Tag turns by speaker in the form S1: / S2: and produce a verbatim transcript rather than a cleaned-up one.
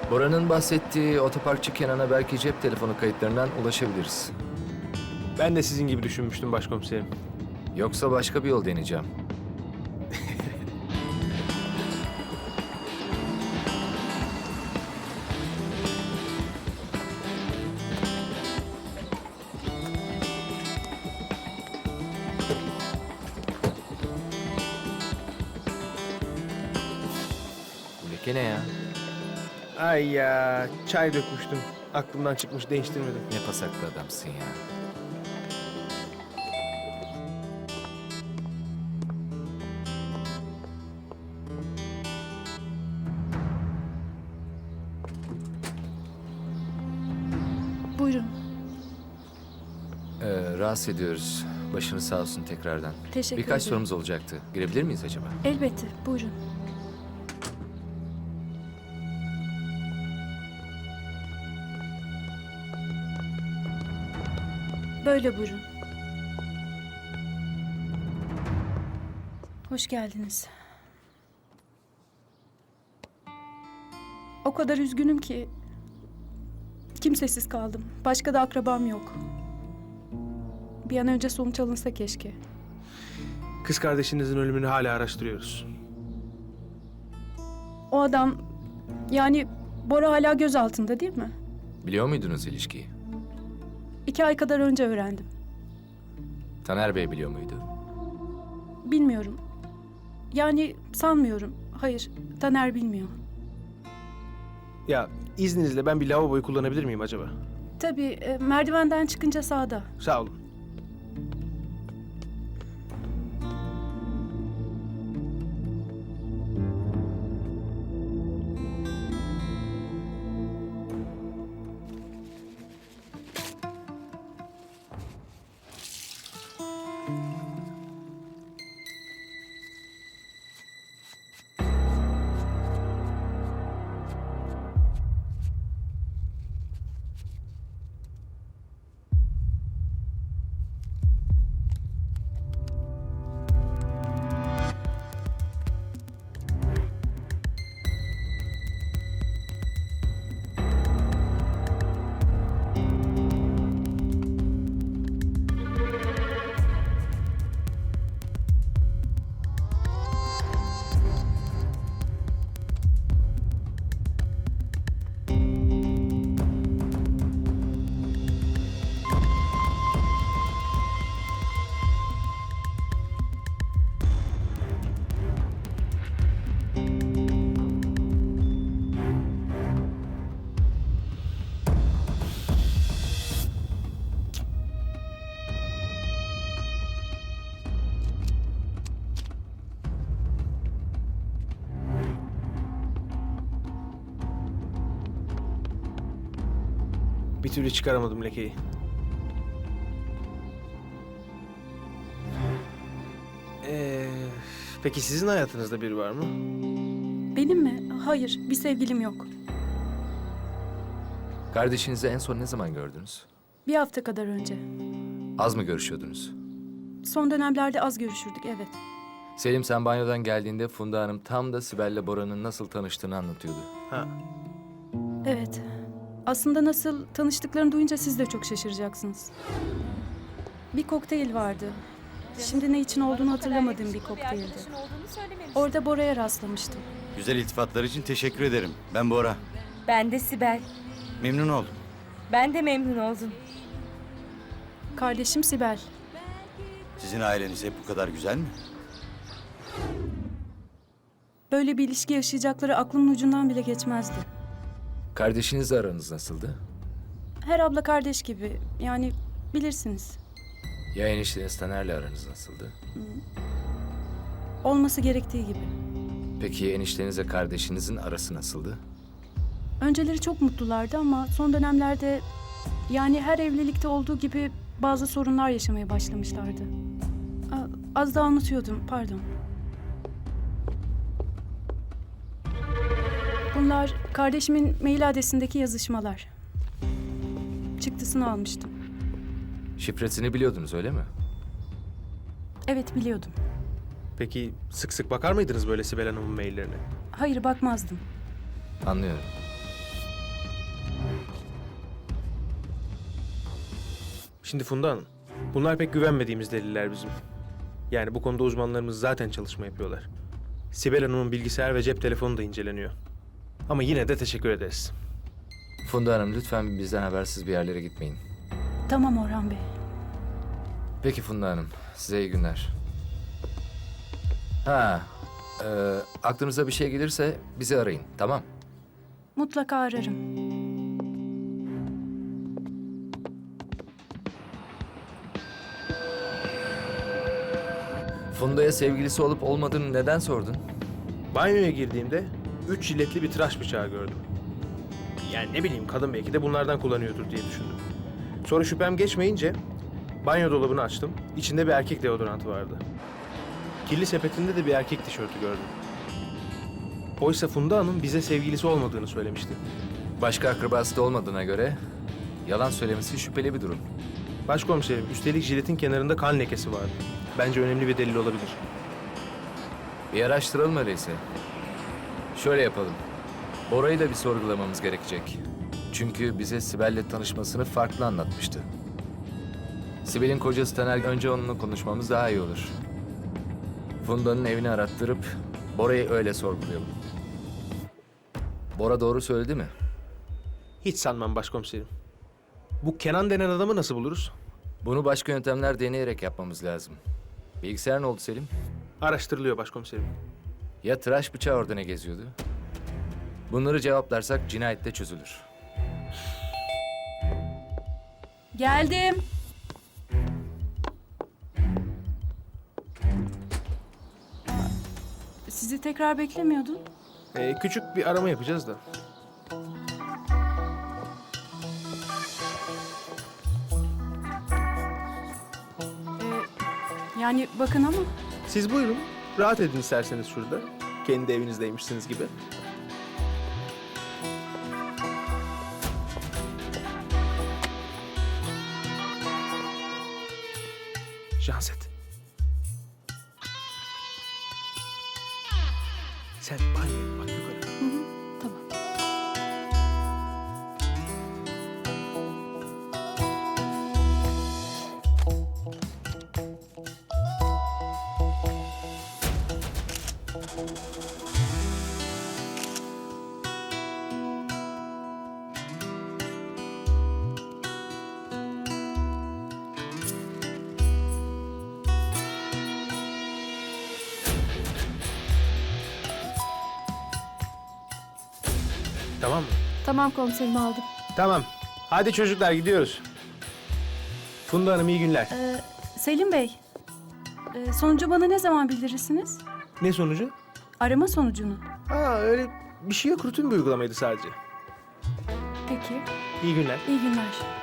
S1: Bora'nın bahsettiği otoparkçı Kenan'a belki cep telefonu kayıtlarından ulaşabiliriz.
S2: Ben de sizin gibi düşünmüştüm başkomiserim.
S1: Yoksa başka bir yol deneyeceğim. Bu leke ne ya?
S2: Ay ya, çay dökmüştüm. Aklımdan çıkmış, değiştirmedim.
S1: Ne pasaklı adamsın ya.
S3: Buyurun.
S1: Ee, rahatsız ediyoruz. Başınız sağ olsun tekrardan.
S3: Teşekkür
S1: Birkaç
S3: ederim.
S1: sorumuz olacaktı. Girebilir miyiz acaba?
S3: Elbette, buyurun. Böyle buyurun. Hoş geldiniz. O kadar üzgünüm ki kimsesiz kaldım. Başka da akrabam yok. Bir an önce sonuç alınsa keşke.
S2: Kız kardeşinizin ölümünü hala araştırıyoruz.
S3: O adam, yani Bora hala gözaltında değil mi?
S1: Biliyor muydunuz ilişkiyi?
S3: İki ay kadar önce öğrendim.
S1: Taner Bey biliyor muydu?
S3: Bilmiyorum. Yani sanmıyorum. Hayır, Taner bilmiyor.
S2: Ya izninizle ben bir lavaboyu kullanabilir miyim acaba?
S3: Tabii, e, merdivenden çıkınca sağda.
S2: Sağ olun. Bir türlü çıkaramadım lekeyi. Ee, peki sizin hayatınızda biri var mı?
S3: Benim mi? Hayır, bir sevgilim yok.
S1: Kardeşinizi en son ne zaman gördünüz?
S3: Bir hafta kadar önce.
S1: Az mı görüşüyordunuz?
S3: Son dönemlerde az görüşürdük, evet.
S1: Selim, sen banyodan geldiğinde Funda Hanım tam da Sibel'le Bora'nın nasıl tanıştığını anlatıyordu.
S2: Ha.
S3: Evet. Aslında nasıl tanıştıklarını duyunca siz de çok şaşıracaksınız. Bir kokteyl vardı. Şimdi ne için olduğunu hatırlamadığım bir kokteyldi. Orada Bora'ya rastlamıştım.
S4: Güzel iltifatlar için teşekkür ederim. Ben Bora.
S5: Ben de Sibel.
S4: Memnun oldum.
S5: Ben de memnun oldum.
S3: Kardeşim Sibel.
S4: Sizin aileniz hep bu kadar güzel mi?
S3: Böyle bir ilişki yaşayacakları aklımın ucundan bile geçmezdi.
S1: Kardeşinizle aranız nasıldı?
S3: Her abla kardeş gibi. Yani bilirsiniz.
S1: Ya enişteniz Taner'le aranız nasıldı?
S3: Olması gerektiği gibi.
S1: Peki eniştenizle kardeşinizin arası nasıldı?
S3: Önceleri çok mutlulardı ama son dönemlerde, yani her evlilikte olduğu gibi bazı sorunlar yaşamaya başlamışlardı. A- Az daha unutuyordum, pardon. Bunlar kardeşimin mail adresindeki yazışmalar. Çıktısını almıştım.
S1: Şifresini biliyordunuz öyle mi?
S3: Evet, biliyordum.
S2: Peki sık sık bakar mıydınız böyle Sibel Hanım'ın maillerine?
S3: Hayır, bakmazdım.
S1: Anlıyorum.
S2: Şimdi Funda Hanım, bunlar pek güvenmediğimiz deliller bizim. Yani bu konuda uzmanlarımız zaten çalışma yapıyorlar. Sibel Hanım'ın bilgisayar ve cep telefonu da inceleniyor. Ama yine de teşekkür ederiz.
S1: Funda Hanım lütfen bizden habersiz bir yerlere gitmeyin.
S3: Tamam Orhan Bey.
S1: Peki Funda Hanım, size iyi günler. Ha, e, aklınıza bir şey gelirse bizi arayın, tamam?
S3: Mutlaka ararım.
S1: Funda'ya sevgilisi olup olmadığını neden sordun?
S2: Banyoya girdiğimde üç jiletli bir tıraş bıçağı gördüm. Yani ne bileyim, kadın belki de bunlardan kullanıyordur diye düşündüm. Sonra şüphem geçmeyince banyo dolabını açtım. İçinde bir erkek deodorantı vardı. Kirli sepetinde de bir erkek tişörtü gördüm. Oysa Funda Hanım bize sevgilisi olmadığını söylemişti.
S1: Başka akrabası da olmadığına göre yalan söylemesi şüpheli bir durum.
S2: Başkomiserim, üstelik jiletin kenarında kan lekesi vardı. Bence önemli bir delil olabilir.
S1: Bir araştıralım öyleyse. Şöyle yapalım. Bora'yı da bir sorgulamamız gerekecek. Çünkü bize Sibel'le tanışmasını farklı anlatmıştı. Sibel'in kocası Taner, önce onunla konuşmamız daha iyi olur. Funda'nın evini arattırıp Bora'yı öyle sorgulayalım. Bora doğru söyledi mi?
S2: Hiç sanmam başkomiserim. Bu Kenan denen adamı nasıl buluruz?
S1: Bunu başka yöntemler deneyerek yapmamız lazım. Bilgisayar ne oldu Selim?
S2: Araştırılıyor başkomiserim.
S1: Ya tıraş bıçağı orada ne geziyordu? Bunları cevaplarsak cinayette çözülür.
S3: Geldim. Sizi tekrar beklemiyordum.
S2: Ee, küçük bir arama yapacağız da.
S3: Yani bakın ama
S2: Siz buyurun. Rahat edin isterseniz şurada. Kendi evinizdeymişsiniz gibi. Janset. Sen banyoya bak yukarı.
S3: tamam.
S2: Tamam mı?
S6: Tamam komiserim, aldım.
S2: Tamam. Hadi çocuklar gidiyoruz. Funda Hanım iyi günler.
S3: Ee, Selim Bey, e, sonucu bana ne zaman bildirirsiniz?
S2: Ne sonucu?
S3: Arama sonucunu.
S2: Aa öyle bir şey yok. Rutin bir uygulamaydı sadece.
S3: Peki,
S2: İyi günler.
S3: iyi günler.